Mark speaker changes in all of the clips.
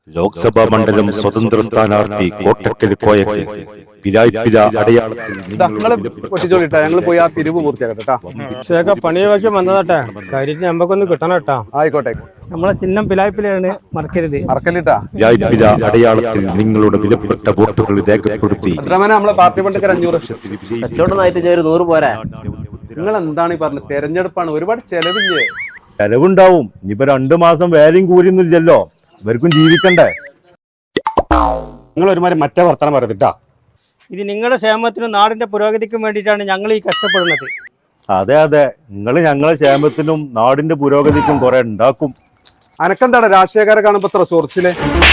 Speaker 1: ലോക്സഭാ മണ്ഡലം സ്വതന്ത്ര സ്ഥാനാർത്ഥി കോട്ടക്കൽ കോയക്ക് പിരായ്പിര അടയാളത്തിൽ
Speaker 2: ഞങ്ങൾ പോയി ആ പിരിവ് പൂർത്തിയാക്കട്ടെ.
Speaker 3: പണിയൊക്കെ വന്നതാട്ടെ, കാര്യത്തിന് നമ്മക്കൊന്ന് കിട്ടണം കേട്ടാ.
Speaker 2: ആയിക്കോട്ടെ,
Speaker 3: നമ്മളെ ചിഹ്നം പിലായ്പിലാണ്, മറക്കരുത്.
Speaker 2: മറക്കല്ലിട്ടാ.
Speaker 1: പിരായ്പിര അടയാളത്തിൽ നിങ്ങളുടെ വിലപ്പെട്ട വോട്ടുകൾ രേഖപ്പെടുത്തി
Speaker 2: നമ്മളെ പാർട്ടി ഫണ്ടൊക്കെ 500
Speaker 4: കച്ചവടമായിട്ട് 100 പോരാ.
Speaker 2: നിങ്ങൾ എന്താണ് ഈ പറഞ്ഞത്? തെരഞ്ഞെടുപ്പാണ്, ഒരുപാട് ചെലവില്ലേ?
Speaker 5: ചെലവുണ്ടാവും. ഇനിയിപ്പോ 2 മാസം വേലയും കൂലിയൊന്നുമില്ലല്ലോ, ഇവർക്കും ജീവിക്കണ്ടേ.
Speaker 6: നിങ്ങൾ ഒരുമാതിരി മറ്റേ വർത്തമാനം പറയത്തിട്ടാ.
Speaker 3: ഇത് നിങ്ങളുടെ ക്ഷേമത്തിനും നാടിന്റെ പുരോഗതിക്കും വേണ്ടിയിട്ടാണ് ഞങ്ങൾ ഈ കഷ്ടപ്പെടുന്നത്.
Speaker 5: അതെ അതെ, നിങ്ങൾ ഞങ്ങളെ ക്ഷേമത്തിനും നാടിന്റെ പുരോഗതിക്കും കുറെ ഉണ്ടാക്കും.
Speaker 2: അനക്കെന്താണ് രാഷ്ട്രീയക്കാരെ കാണുമ്പോ ഇത്ര ചൊറിച്ചില്?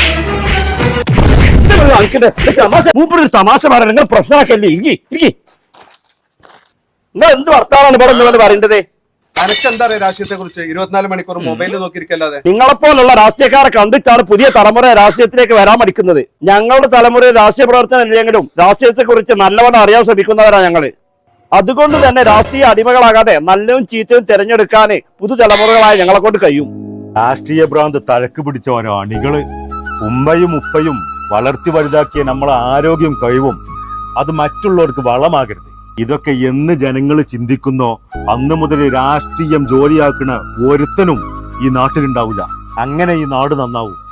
Speaker 6: തമാശ പറയാൻ നിങ്ങൾ പ്രശ്നമാക്കല്ലേ. നിങ്ങൾ എന്ത് വർത്താനാണ് ഇവിടെ പറയേണ്ടത്?
Speaker 2: അനക്കെന്താ അറിയാം രാഷ്ട്രീയത്തെ കുറിച്ച്? 24 മണിക്കൂർ മൊബൈലിൽ നോക്കിയിരിക്കല്ലാതെ.
Speaker 6: നിങ്ങളെപ്പോലുള്ള രാഷ്ട്രീയക്കാരെ കണ്ടിട്ടാണ് പുതിയ തലമുറ രാഷ്ട്രീയത്തിലേക്ക് വരാൻ പഠിക്കുന്നത്. ഞങ്ങളുടെ തലമുറ രാഷ്ട്രീയ പ്രവർത്തനം ഇല്ലെങ്കിലും രാഷ്ട്രീയത്തെ കുറിച്ച് നല്ലവണ്ണം അറിയാൻ ശ്രമിക്കുന്നവരാണ് ഞങ്ങള്. അതുകൊണ്ട് തന്നെ രാഷ്ട്രീയ അടിമകളാകാതെ നല്ലതും ചീത്തയും തിരഞ്ഞെടുക്കാന് പുതുതലമുറകളായ ഞങ്ങളെ കൊണ്ട് കഴിയും.
Speaker 5: രാഷ്ട്രീയ ഭ്രാന്ത് തലക്ക് പിടിച്ചവരോ അണികള്. ഉമ്മയും ഉപ്പയും വളർത്തി വലുതാക്കിയ നമ്മളെ ആരോഗ്യം കഴിവും അത് മറ്റുള്ളവർക്ക് വളമാകരുത്. ഇതൊക്കെ എന്ന് ജനങ്ങൾ ചിന്തിക്കുന്നോ അന്ന് മുതൽ രാഷ്ട്രീയം ജോലിയാക്കുന്ന ഒരുത്തനും ഈ നാട്ടിലുണ്ടാവില്ല. അങ്ങനെ ഈ നാട് നന്നാവും.